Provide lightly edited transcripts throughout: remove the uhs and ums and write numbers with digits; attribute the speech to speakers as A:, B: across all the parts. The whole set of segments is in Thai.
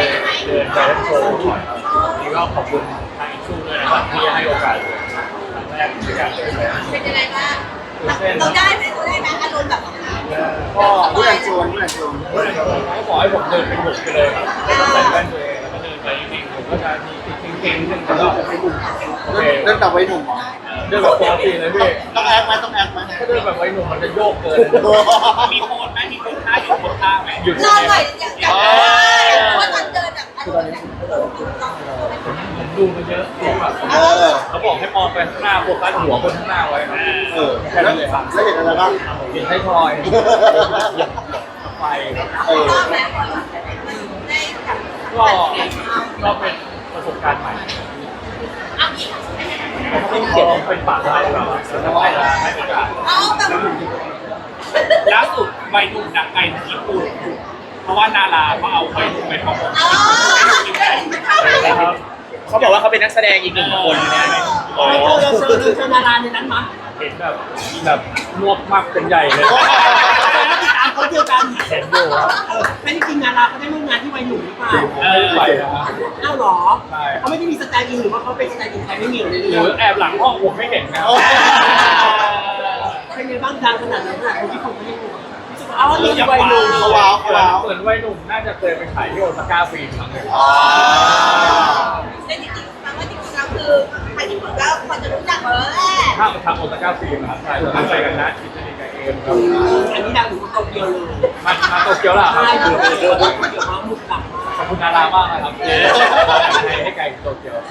A: เดินไปโชว์ก่อนครับนี่ก็ขอบคุณทางอินชูด้วยนะครับที่ให้โอกาสครั้งแรกในการเดินไป
B: เป็นยังไงบ้างเราได้ไหมอารมณ์แบบ
A: ก็ผู้ใหญ่ชวนเขาบอกให้ผมเดินเป็นบุกไปเลยครับใส่แว่นตัวเองแล้วก็เดินไปนิ่งๆผมก็จะมีเก่งๆขึ้นแล้วก็โอเค
C: เดินแบบไว้หนุ่ม
A: เดินแบบปกติเลยพี่
C: ต้องแอคไหมต้องแอคไหม
A: ถ้าเดินแบบไว้หนุ่มมันจะโยกเกิน
D: มีโพสไหมมีโพสท่าอยู่โพสท่าไหม
A: หยุด
B: ลองหน่อยอยากว่าตอนเดินแบบอารมณ์
A: ผมดูมาเยอะแบบเขาบอกให้มองไปข้างหน้าโฟกัสหัวคนข้างหน้าไว้ครับแค่นั้นเลยครับ
C: แล้วเห็นอะไรบ้าง
A: เห็นไทยทอยไฟก็เป็นประสบการณ์ใหม่เป็นปากอะไรแบบแล้วก็ให้โอกาส
D: ล่าสุดวัยหนุ่มดังไกลถึงญี่ปุ่นเพราะว่านาราเขาเอาวัยหนุ่มไปทำ
E: เขาบอกว่าเขาเป็นนักแสดงอีกหนึ่งคนเนี่ย
D: เจอนาราในนั้นมั้ย
A: เห็นแบบงวบมากเป็นใหญ่เลย
D: ติดตามเขาเดียวกัน
A: เห็นดูครับ
D: ไม่ได้จริงนาราเขาได้ร่วมงานที่วัยหนุ่มหรือเปล่า
A: ไปนะครับ
D: อ้าวหรอเขาไม่ได้มีสไตล์อินหรือว่าเขาเป็นสไตล์อินใครไม่มีห
A: รือแอบหลังห้องผมไม่เห็นนะ
D: เป็นไงบ้างดังขนาดนั้นคนที่ผมไม่ได้รู้อ้าวนี่วัยหนุ่ม
C: ว้าว
A: เหมือนวัยหนุ่มน่าจะเคยไปถ่ายที่โอซาก้าฟิล์มครั้งนึง
B: แต่จริงๆฟังว่าจริงๆแล้วคือใครที่ผมก็พอจะรู้จักมาแล้วแหละ
A: ถ้าทำโอซาก้าฟิล์มครับใช่เราไปกันนะคิดจะมีกับเอมครับ
D: อันนี้ดังถึงโตเกียวเลย
A: มาโตเกียวล่ะครับ
D: เกี่ยวกับมุกดัง
A: ขอบคุณดารามากนะครับให้ไกลโตเกียว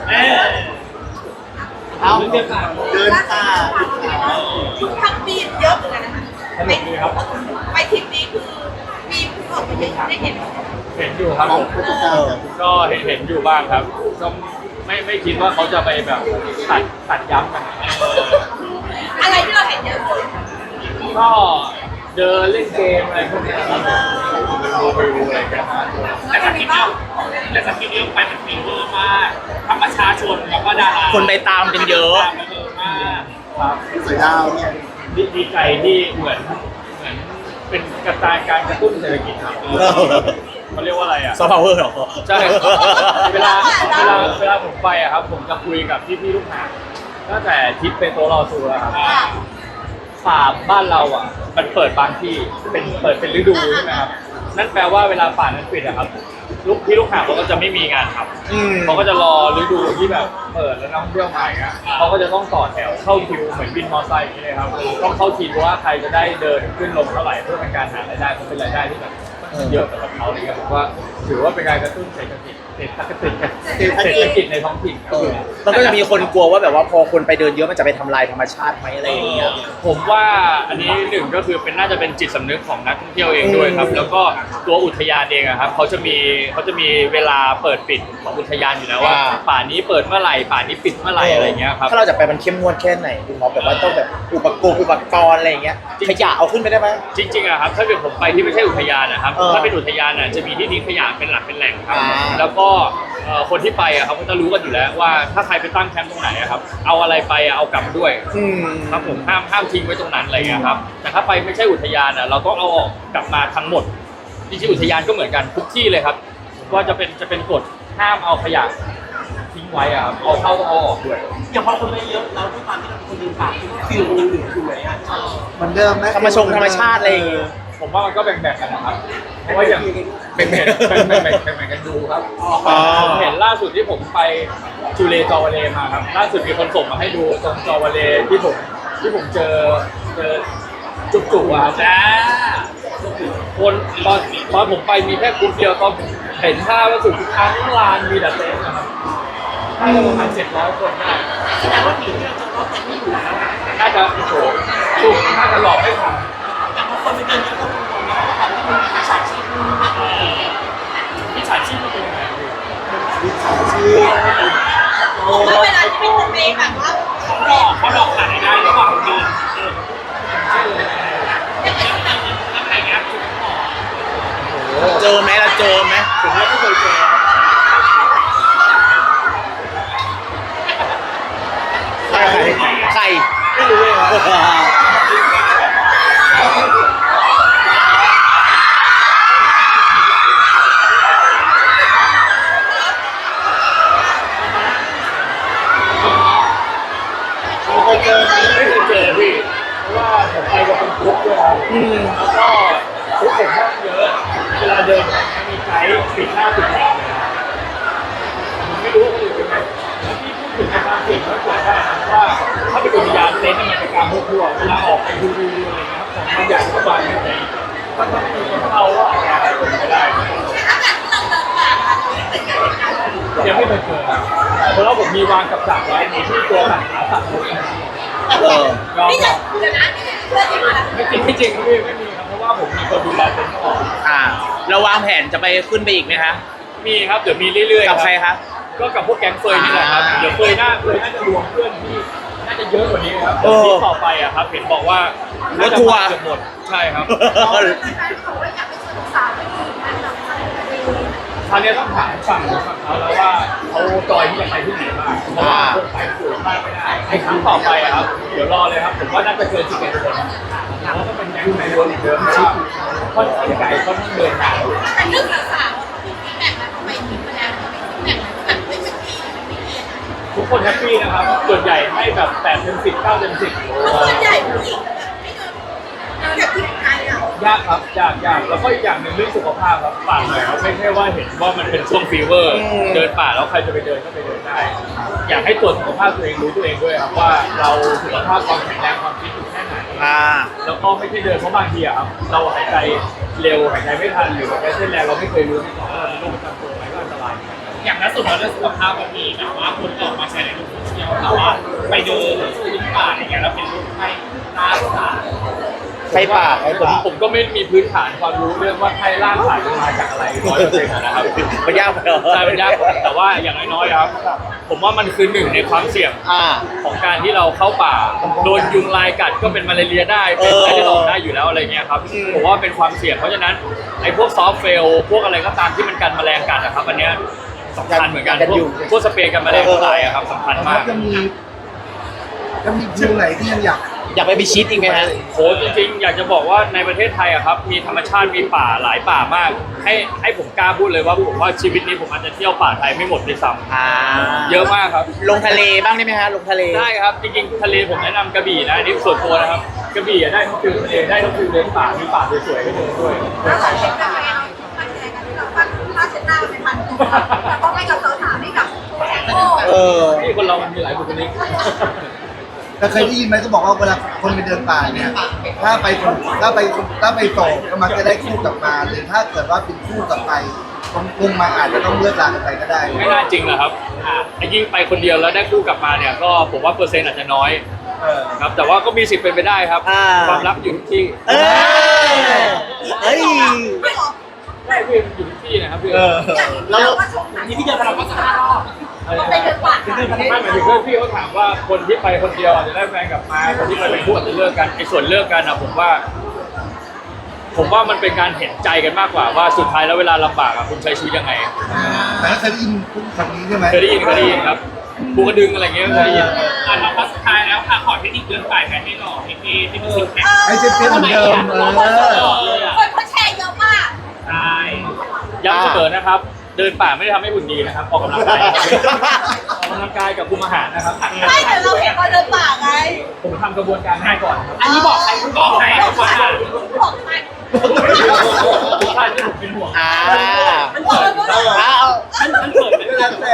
C: เอาเดินตา
B: ทั้งปีเยอะเหมือนกันนะคะ
A: สนุกดีครับ
B: ไปทริปนี้คือมีผู้ออกมาเยอะได้เห็น
A: อยู่ครับก็เห็นอยู่บ้างครับก็ไม่คิดว่าเขาจะไปแบบตัดย้ำกัน
B: อะไรที่เราเห็นเยอะสุด
A: ก็เดินเล่นเกมอะไรพวกนี้ครับดูอะไรกัน
D: แต่สกินเยอะไปมันมีเยอะมากทั้งประชาชนแล้วก็ดารา
E: คนไปตามกันเยอะ
A: ครับ
C: สวยดาวเนี่ย
A: ดีใจที่เหมือนเป็นการกระตุ้นเศรษฐกิจครับเขาเรียกว่าอะไรอ่ะ
E: ซอฟต์พาวเวอร์หรอ
A: ใช่เวลาผมไปอ่ะครับผมจะคุยกับพี่ลูกหาตั้งแต่ทิปเป็นโตรอซูแล้วครับป่าบ้านเราอ่ะมันเปิดบางที่เปิดเป็นฤดูใช่ไหมครับนั่นแปลว่าเวลาป่านั้นปิดอะครับลูกหาเขาก็จะไม่มีงานทำเขาก็จะรอฤดูที่แบบเปิดแล้วนักท่องเที่ยวมาอ่ะเขาก็จะต้องต่อแถวเข้าคิวเหมือนบินมอเตอร์ไซค์อย่างนี้เลยครับต้องเข้าคิวว่าใครจะได้เดินขึ้นลงเท่าไหร่เพื่อเป็นการหารายได้เพราะเป็นรายได้ที่แบบเยอะสำหรับเขาเลยครับผมว่าถือว่าเป็นการกระตุ้นเศรษฐกิจในท้องถิ่น
E: มันก็จะมีคนกลัวว่าแบบว่าพอคนไปเดินเยอะมันจะไปทำลายธรรมชาติไหมอะไรอย่างเงี้ย
A: ผมว่าอันนี้หนึ่งก็คือน่าจะเป็นจิตสำนึกของนักท่องเที่ยวเองด้วยครับแล้วก็ตัวอุทยานเองครับเขาจะมีเวลาเปิดปิดของอุทยานอยู่แล้วว่าป่านี้เปิดเมื่อไหร่ป่านี้ปิดเมื่อไหร่อะไรเงี้ยครับ
E: ถ้าเราจะไปมันเข้มงวดแค่ไหนคุณหมอแบบว่าต้องแบบอุปกรณ์อะไรอย่างเงี้ยขยะเอาขึ้นไปได้ไหม
A: จริงๆอะครับถ้าเกิดผมไปที่ไม่ใช่อุทยานนะครับถ้าเป็นอุทยานจะมีที่ทิ้งขยะเป็นหลักเป็นแหล่งครับแล้วก็คนที่ไปอะเขาก็จะรู้กันอยู่แล้วว่าถ้าใครไปตั้งแคมป์ตรงไหนอะครับเอาอะไรไปเอากลับด้วยครับผมห้ามทิ้งไว้ตรงนั้นอะไรเงี้ยครับแต่ถ้าไปไม่ใช่อุทยานอะเราต้องเอาออกกลับมาทั้งหมดจริงๆอุทยานก็เหมือนกันทุกที่เลยครับว่าจะเป็นกฎห้ามเอาขยะทิ้งไว้อะครับเอาเข้าต้องเอาออกด้วย
D: อย่างพอคนไปเยอะเราด้วยความที่เราเป็นคนยืนป่าฟิลมันยังเหลืออยู่ไหมอะ
C: เหมือนเดิมไหม
E: ธรรมชาติอะไรอย่างเงี้ย
A: ผมว่ามันก็แบ่งกันนะครับเพราะว่าอย่างแบ่งกันดูครับผมเห็นล่าสุดที่ผมไปจูเลจอวาเลมาครับล่าสุดมีคนส่งมาให้ดูตรงจอวาเลที่ผมเจอจุกๆอ่ะจ้าคนตอนผมไปมีแค่กลุ่มเดียวตอนเห็นภาพล่าสุดทั้งลานมีแต่เต็นท์นะครับน่าจะประมาณ700 คนได้
D: แสดงว่าผีที่เราจะรับแต่ไม่อยู่แล้ว
A: น่าจะโอ้โหสุ่มน่าจะหลอกไม่ทัน
D: แต่พอคนไปเดินเยอะก็คงนะเพราะความที่มันมีฉากชีพ
A: มิจฉาชีพมันเป็นยังไง
C: มิจฉาชีพ
B: แล้วเวลาที่เป็นเมย์แบบว่า
D: เขาหลอกขายได้ระหว่างเดิน
E: เจอไหมเราเจอไหม
A: ผมว่าไม่เคยเจอ
E: ใคร
A: ไม่รู้เลยครับยังไม่เคยเจอครับเพราะว่าผมมีวางกับดักไว้ในที่ตัวหลังขาสั่นรถ
B: นี่จะเดี๋ยวนะเพื่อนที่มาแล้ว
A: ไม่จริงพี่ไม่มีครับเพราะว่าผมมีคนดูแลเต็นท์ก่อน
E: เราวางแผนจะไปขึ้นไปอีกไหมคะ
A: มีครับเดี๋ยวมีเรื่อยๆ
E: กับใครคะ
A: ก็กับพวกแก๊งเฟยนี่แหละครับเดี๋ยวเฟยน่าจะรวมเพื่อนที่น่าจะเยอะกว่านี้ครับที่ต่อไปอะครับเห็นบอกว่าร
E: ถทัวร์
A: เกือบหมดใช่ครับ
B: แฟนบอกว่าอยากไปชวนสาวไปดูงานหนังอะไรแบบนี้
A: คราวนี้ต้องถามฝั่งเขาแล้วว่าเขาจอยที่จะไปที่ไหนบ้างเพราะว่าคนไปสูงมากไม่ได้ไอ้ครั้งต่อไปอะครับเดี๋ยวรอเลยครับผมว่าน่าจะเกิน11 คนแล้วก็เป็นแก๊งในรวมอีกเดิมเพราะว่าค่อนข้างไกลค่อนข้างเดินทาง
B: แต่เรื่องสาวๆมีฟีดแบ็กนะทำไมทีมคะแนนเขาไม่ฟีดแบ็กแบบไม่เป็นที่ไม่ดี
A: ทุกคนแฮปปี้นะครับส่วนใหญ่ให้แบบ8 เต็ม 10 9 เต็ม 10
B: เพราะส่วนใหญ่ผู้หญิงไม่เดินจากที่ไทยอ่ะ
A: ยากครับยากแล้วก็อีกอย่างหนึ่งเรื่องสุขภาพครับฝากหน่อยครับไม่ใช่ว่าเห็นว่ามันเป็นช่วงฟีเวอร์ เดินป่าแล้วใครจะไปเดินก็ไปเดินได้ อยากให้ตรวจสุขภาพตัวเองรู้ตัวเองด้วยครับว่าเราสุขภาพความแข็งแรงความฟิตอยู่แค่ไหน แล้วก็ไม่ใช่เดินเพราะบางทีอะครับเราหายใจเร็วหายใจไม่ทันหรือหายใจเส้นแรงเราไม่เคยรู้มาก่อนว่าเราเป็นโรคประจำตัวไหมก็อันตราย
D: อย่างล่าสุดเราเรื่องสุขภาพมันมีแบบว่าคนออกมาแชร์ในโลกโซเชียลแต่ว่าไปเดินที่ป่าอะไรเงี้ยแล้วเป็นรูปให้หน้าสา
E: ไปป่าไปป่า
A: ผมก็ไม่มีพื้นฐานความรู้เรื่องว่าไข้ล่างสายมันมาจากอะไร100%นะครับ
E: มันยากไปเหรอ
A: ใช่มันยากแต่ว่าอย่างน้อยๆครับ ผมว่ามันคือหนึ่งในความเสี่ยงของการที่เราเข้าป่าโดนยุงลายกัดก็เป็นมาลาเรียได้เป็นไข้เลือดออกได้อยู่แล้วอะไรเงี้ยครับผมว่าเป็นความเสี่ยงเพราะฉะนั้นไอ้พวกซอฟต์เฟลพวกอะไรก็ตามที่มันกันแมลงกัดนะครับอันเนี้ยสำคัญเหมือนกันพวกสเปรย์กันแมลงทั้งหลายอะครับสำคัญมาก
C: จะมีวิวไหนที่ยังอยาก
E: ไปพิชิตอีกไหมฮะ
A: โหจริงๆอยากจะบอกว่าในประเทศไทยอะครับมีธรรมชาติมีป่าหลายป่ามาก ให้ผมกล้าพูดเลยว่าผมว่าชีวิตนี้ผมอาจจะเที่ยวป่าไทยไม่หมดด้วยซ้ำเยอะมากครับ
E: ลงทะเลบ้างได้ไหมฮะลงทะเล
A: ได้ครับจริงๆทะเลผมแนะนำกระบี่นะอันนี่ส่วนตัวนะครับกระบี่อะได้ทั้งฟิลทะเลได้ทั้งฟิลเดินป่ามีป่าสวยๆให้เดินด้วย
B: แล้วหลายคนเป็นไงมาแชร์กันที่เราปั้นผ้าเช็ดหน้าเป็นพันตัวแล้วก็ให้กับสาวๆให้กับโอ้
A: นี่คนเรามันมีหลายบุคลิก
C: แต่เคยได้ยินไหมก็บอกว่าเวลาคนไปเดินป่าเนี่ยถ้าไปโสดก็มักจะได้คู่กลับมาหรือถ้าเกิดว่าเป็นคู่กลับไปคงมาอาจจะต้องเลิกลากันไปก็ได้
A: ไม่น่าจริงนะครับยิ่งไปคนเดียวแล้วได้คู่กลับมาเนี่ยก็ผมว่าเปอร์เซ็นต์อาจจะน้อยครับแต่ว่าก็มีสิทธิ์เป็นไปได้ครับความรักอยู่ที่
E: เอ้ย
B: ไม่หรอ
A: ได้พี่มันอยู่ที่นะครับพี่
B: แล้วก็ชมหนัง
D: นี่พี่เดินเราก็จะ5 รอบ
B: ไปเดินป่า
A: ไม่หมายถึงว่าพี่เขาถามว่าคนที่ไปคนเดียวอาจจะได้แฟนกลับมาคนที่ไปเป็นคู่อาจจะเลิกกันไอ้ส่วนเลิกกันอะผมว่ามันเป็นการเห็นใจกันมากกว่าว่าสุดท้ายแล้วเวลาลำบากอะคุณใช้ชีวิตยังไง
C: แต่เคยได้ยินคำนี้ใช่ไหม
A: เคยได้ยินครับภูกระดึงอะไรเงี้ยเคยได้ยิน
D: เราก็สุดท้ายแล้วค่ะขอเทคนิคเดินป่าให้หล่อให้ที่มันซิกแพค
C: ให้เซ็ตเหมือนเดิม
B: คนเขาแชร์เยอะมาก
D: ใช่
A: ย้ำเสมอนะครับ เดินป่าไม่ได้ทำให้หุ่นดีนะครับออกกำลังกายออกกำลังกายกับคุมอาหารนะครับ
B: ไม่แต่เราเห็นตอนเดินป่าไง
A: ผมทำกระบวนการให้ก่อนครับ
D: อันนี้บอกใครบอกใครบอกใคร
B: บอกใคร
A: ทุกท่านที่ผมเป็นห่วง
B: มันเปิดด้วย
D: มันเกิดไม่ได้
C: แล้วแต่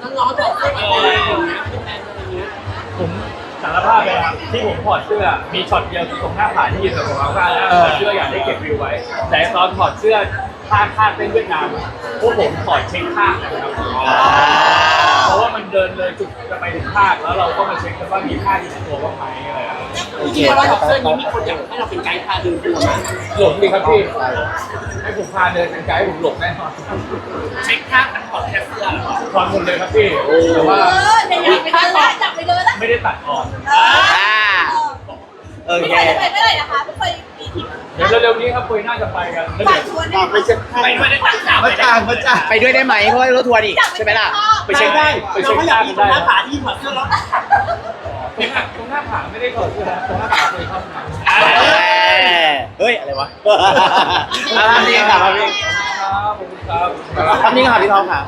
A: ผมสารภาพเลยครับที่ผมถอดเสื้อมีช็อตเดียวที่ตรงหน้าผาที่ยืนกับผมเอาผ้าแล้วถอดเสื้ออยากได้เก็บวิวไว้ แต่ตอนถอดเสื้อท่าคาดเป็นเวียดนามพวกผมถอดเช็คข้างนะครับเพราะว่ามันเดินเลยจุดจะไปถึงภาคแล้วเราก็มาเช็คกันว่ามีภาคอยู่ในตัวบ้างไหมอะไรครับ
D: จริงๆเราถอดเสื้อนี้มีคนอยากให้เราเป็นไกด์พาเดินตัวนะ
A: หลงดีครับพี่ให้ผมพาเดินเป็นไกด์ผมหลงแน่นอน
D: เช็คข้างมันถอดแค่เสื้อเหรอ
A: ถอดหมดเลยครับพี่แต่ว่า
B: เดี๋ยวอยากไปเดินละอยากไปเดินละ
A: ไม่ได้ตัดออก
B: ไม่เคยจะไปไม่ได้นะคะไม่เคยมีทริป
A: เดี๋ยวเร็วๆนี้ครับคุยน่าจะไปกันแล้ว
B: ฝา
A: เดี๋ยว
B: กชวนได้
C: ไปเช็ค
D: ไปด้วยได้ตั้งข่าว
C: มาจ้างมาจ้าง
E: ไปด้วยได้ไหมเพราะว่ารถทัวร์นี่ใช่ไหมล่ะ
A: ไปเช็คได้ไปเช็คได้กันได้
D: หน้าผาที่ถอดเสื้อแล้ว
A: ตรงหน้าผาไม่ได้ถอดเสื้อนะตรงหน้าผาเคยเข้าห้องน้ำ
E: เฮ้ย อะไรวะภาพนี้ค่ะภาพนี้
A: ครับผมครับ
E: ภาพนี้ค่ะพี่ทองค่ะ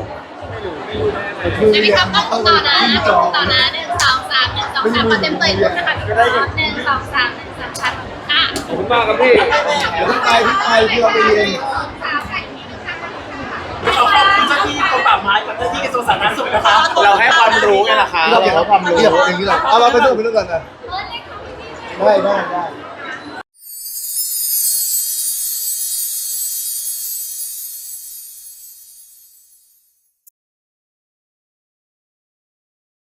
C: คือ
B: จะมี
C: เรียน
B: คำต้องต่อนะ
C: ขึ้นจ
B: ต่
C: อ
B: อนะ1 2 3 1 2 3ขอเต็มตัวอีกนะคะ1 2 3 1 2 3ค่ะ
A: ขอบคุณมากครับพี่
C: เดี๋ยวพี่ไปที่เราไปเรียน
D: เราขอบคุณเจ้าที่กรมป่าไม้กับเจ้าที่กระทรวงสาธารณสุขนะคะ
E: เราให้ความรู้ไงล่ะคะ
C: เราเดี๋ยวความรู้อย่างนี้เราเอาเราไปดูกันนะได้